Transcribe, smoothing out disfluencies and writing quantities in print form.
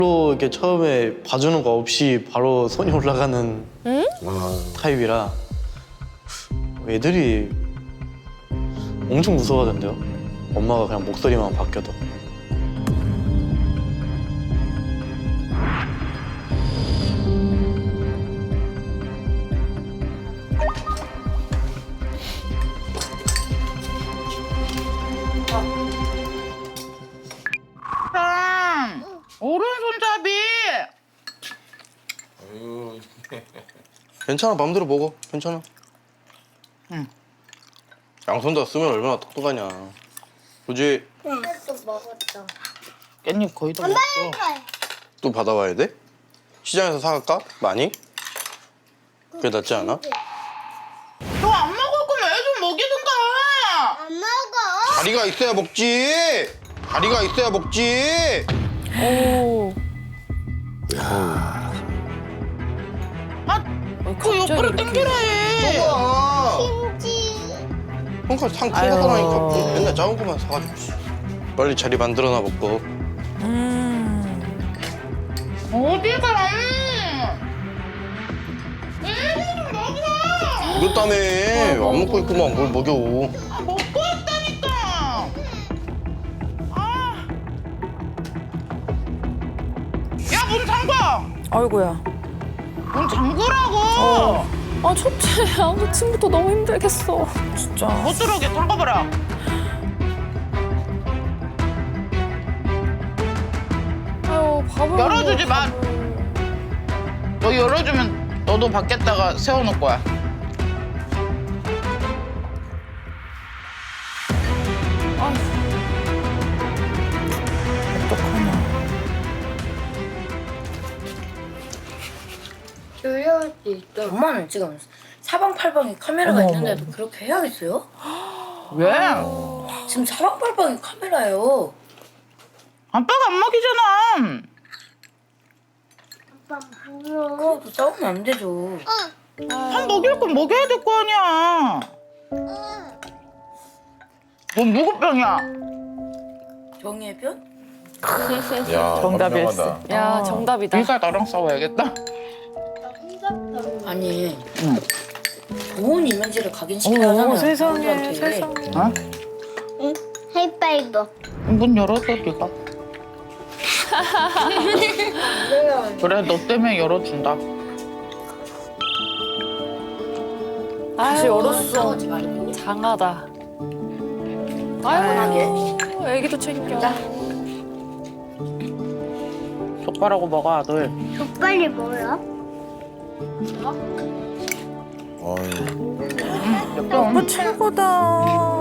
로 이렇게 처음에 봐주는 거 없이 바로 손이 올라가는 타입이라 애들이 엄청 무서워하던데요. 엄마가 그냥 목소리만 바뀌어도. 오른손잡이. 괜찮아, 마음대로 먹어. 괜찮아. 응. 양손 다 쓰면 얼마나 똑똑하냐. 그지? 또 먹었어. 깻잎 거의 다 먹었어. 또 받아와야 돼? 시장에서 사갈까? 많이? 그게 낫지 않아? 너 안 먹을 거면 애 좀 먹이든가. 안 먹어. 다리가 있어야 먹지. 다리가 있어야 먹지. 오. 그 옆으로 당기라 해. 아, 김치. 형까지 상큰 거 사라니까. 맨날 작은 거만 사가지고. 빨리 자리 만들어놔 먹고. 어디가? 애 좀 먹여. 이것 때문에 안 먹고 있구만. 뭘 먹여. 아, 먹고 있다니까. 아. 야, 문 잠궈. 아이고야. 문 잠그라고. 아 첫째야. 아침부터 너무 힘들겠어. 진짜. 못 들어오게 잠궈봐라. 아유 밥을. 열어주지 마. 밥을. 너 열어주면 너도 밖에다가 세워놓을 거야. 어떡하냐. 조용할 수 있어. 엄마는 지금 사방팔방에 카메라가 있는데도 그렇게 해야겠어요? 왜? 지금 사방팔방에 카메라예요. 아빠가 안 먹이잖아. 아빠 먹어. 그래도 싸우면 안 되죠. 한 먹일 건 먹여야 될 거 아니야. 뭔 무급병이야? 정의의 변? 야, 정답일세. 현명하다. 야 정답이다. 네가 나랑 싸워야겠다. 아니 좋은 이미지를 각인시켜야 하잖아요. 세상에 사람들한테. 세상에. 어? 응. 하이파이브. 문 열어줘, 네가. 그래, 너 때문에 열어준다. 다시 열었어. 싸우지 말고. 장하다. 편하게. 아유 애기도 책임져. 족발하고 먹어, 아들. 족발이 뭐야? 어이. 몇 병? 최고다.